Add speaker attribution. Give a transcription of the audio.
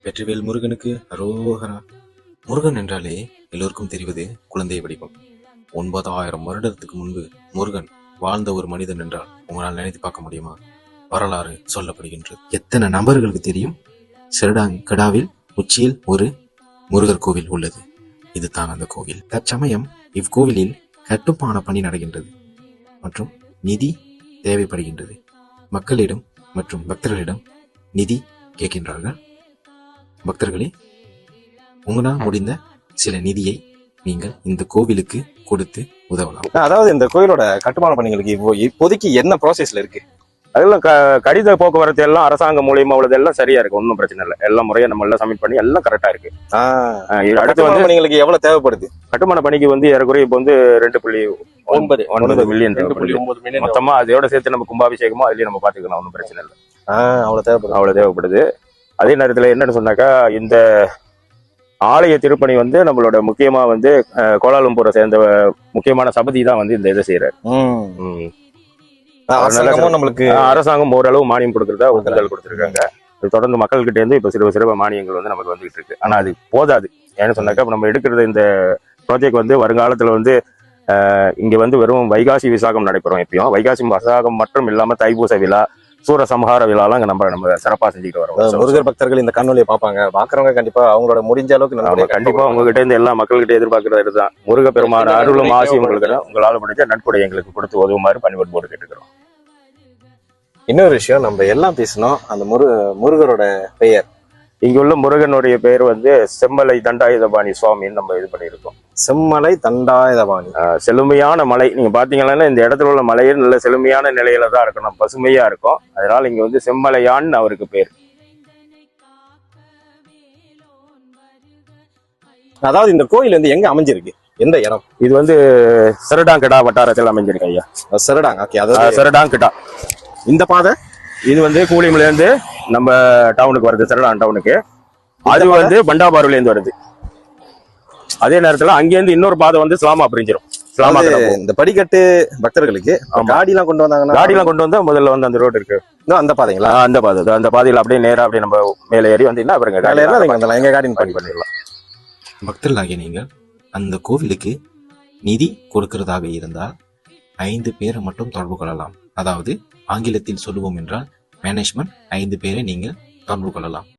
Speaker 1: வெற்றிவேல் முருகனுக்கு அரோகரா. முருகன் என்றாலே எல்லோருக்கும் தெரிவது குழந்தை வடிவம். 9000 வருடத்துக்கு முன்பு முருகன் வாழ்ந்த ஒரு மனிதன் என்றால் உங்களால் நினைத்து பார்க்க முடியுமா? வரலாறு சொல்லப்படுகின்றது. எத்தனை நபர்களுக்கு தெரியும் செரடாங்கடாவில் உச்சியில் ஒரு முருகர் கோவில் உள்ளது? இதுதான் அந்த கோவில். தற்சமயம் இவ்கோவிலில் கட்டுமான பணி நடக்கின்றது மற்றும் நிதி தேவைப்படுகின்றது. மக்களிடம் மற்றும் பக்தர்களிடம் நிதி கேட்கின்றார்கள். பக்தர்களே, உங்களால் முடிந்த சில நிதியை நீங்கள் இந்த கோவிலுக்கு கொடுத்து உதவலாம்.
Speaker 2: அதாவது இந்த கோயிலோட கட்டுமான பணிகளுக்கு இப்போதைக்கு என்ன ப்ராசஸ்ல இருக்கு?
Speaker 3: அதெல்லாம் கடித போக்குவரத்து எல்லாம் அரசாங்கம் மூலியமா உள்ளது எல்லாம் சரியா இருக்கு, ஒன்றும் பிரச்சனை இல்லை. எல்லாம் முறையா நம்ம எல்லாம் சப்மிட் பண்ணி எல்லாம் கரெக்டா இருக்கு.
Speaker 2: அடுத்து வந்து பணிகளுக்கு எவ்வளவு தேவைப்படுது?
Speaker 3: கட்டுமான பணிக்கு வந்து ஏறக்குறைய இப்போ வந்து 2.9 மில்லியன் மொத்தமா. அதோட சேர்த்து நம்ம கும்பாபிஷேகமோ அதுலயும் நம்ம பாத்துக்கலாம், ஒன்றும் பிரச்சனை இல்லை. அவ்வளவு தேவைப்படுது. அதே நேரத்துல என்னன்னு சொன்னாக்கா, இந்த ஆலய திருப்பணி வந்து நம்மளோட முக்கியமா வந்து கோலாலம்பூரை சேர்ந்த முக்கியமான சபதி தான் வந்து இந்த இதை செய்யறாரு.
Speaker 2: நம்மளுக்கு
Speaker 3: அரசாங்கம் ஓரளவு மானியம் கொடுக்கறதா ஒப்புதல் கொடுத்திருக்காங்க. தொடர்ந்து மக்கள்கிட்ட இருந்து இப்ப சிறப்பு மானியங்கள் வந்து நமக்கு வந்துகிட்டு இருக்கு. ஆனா அது போதாது. ஏன்னு சொன்னாக்கா, நம்ம எடுக்கிறது இந்த ப்ராஜெக்ட் வந்து வருங்காலத்துல வந்து இங்க வந்து வெறும் வைகாசி விசாகம் நடைபெறும். எப்பயும் வைகாசி விசாகம் மட்டும் இல்லாம தைப்பூச விழா, சூர சம்ஹார விழாலாம் நம்ம சிறப்பா செஞ்சுட்டு வரோம்.
Speaker 2: முருகர் பக்தர்கள் இந்த காணொலியை பாக்குறவங்க கண்டிப்பா அவங்களோட முடிஞ்ச அளவுக்கு
Speaker 3: கண்டிப்பா உங்ககிட்ட இருந்து எல்லா மக்கள்கிட்ட எதிர்பார்க்கறது தான். முருக பெருமான அருளும் ஆசி உங்களுக்கு உங்களால முடிஞ்ச நட்புடைய எங்களுக்கு கொடுத்து உதவுமாறு பணிபட்டு போட்டு கேட்டுக்கிறோம்.
Speaker 2: இன்னொரு விஷயம், நம்ம எல்லாம் பேசணும். அந்த முருகரோட பெயர்,
Speaker 3: இங்க உள்ள முருகனுடைய பெயர் வந்து செம்மலை தண்டாயுதபாணி சுவாமின்னு நம்ம இது பண்ணியிருக்கோம்.
Speaker 2: செம்மலை தண்டாயுதபாணி,
Speaker 3: செழுமையான மலை. நீங்க பாத்தீங்கன்னா இந்த இடத்துல உள்ள மலையே நல்ல செழுமையான நிலையில தான் இருக்கணும், பசுமையா இருக்கும். அதனால இங்க வந்து செம்மலையான்னு அவருக்கு பேர்.
Speaker 2: அதாவது இந்த கோயில் வந்து எங்க அமைஞ்சிருக்கு, எந்த இடம்?
Speaker 3: இது வந்து செரடாங்கடா வட்டாரத்தில் அமைஞ்சிருக்கு ஐயா.
Speaker 2: Serdang, okay. அதாவது
Speaker 3: செரடாங்கடா.
Speaker 2: இந்த பாதை
Speaker 3: இது வந்து கூலிமல இருந்து நம்ம டவுனுக்கு வருது, செரடான் டவுனுக்கு. அது வந்து பண்டாபாருல இருந்து வருது. அதே நேரத்துல அங்கேருந்து இன்னொரு பாதை வந்து ஸ்லாமா பிரிஞ்சிடும்.
Speaker 2: இந்த படிக்கட்டு பக்தர்களுக்கு காடி எல்லாம் கொண்டு வந்தாங்கன்னா,
Speaker 3: காடி எல்லாம் கொண்டு வந்தா முதல்ல வந்து அந்த ரோடு இருக்கு,
Speaker 2: அந்த பாதைங்களா?
Speaker 3: அந்த பாதையில அப்படியே நேரா அப்படியே நம்ம மேலே ஏறி வந்தீங்கன்னா அப்புறம்
Speaker 2: எங்க காடி பண்ணிடலாம்.
Speaker 1: பக்தர்களாகிய நீங்கள் அந்த கோவிலுக்கு நிதி கொடுக்கிறதாக இருந்தால் 5 பேரை மட்டும் தொடர்பு கொள்ளலாம். அதாவது ஆங்கிலத்தில் சொல்லுவோம் என்றால் மேனேஜ்மெண்ட் 5 பேரை நீங்கள் தொடர்பு கொள்ளலாம்.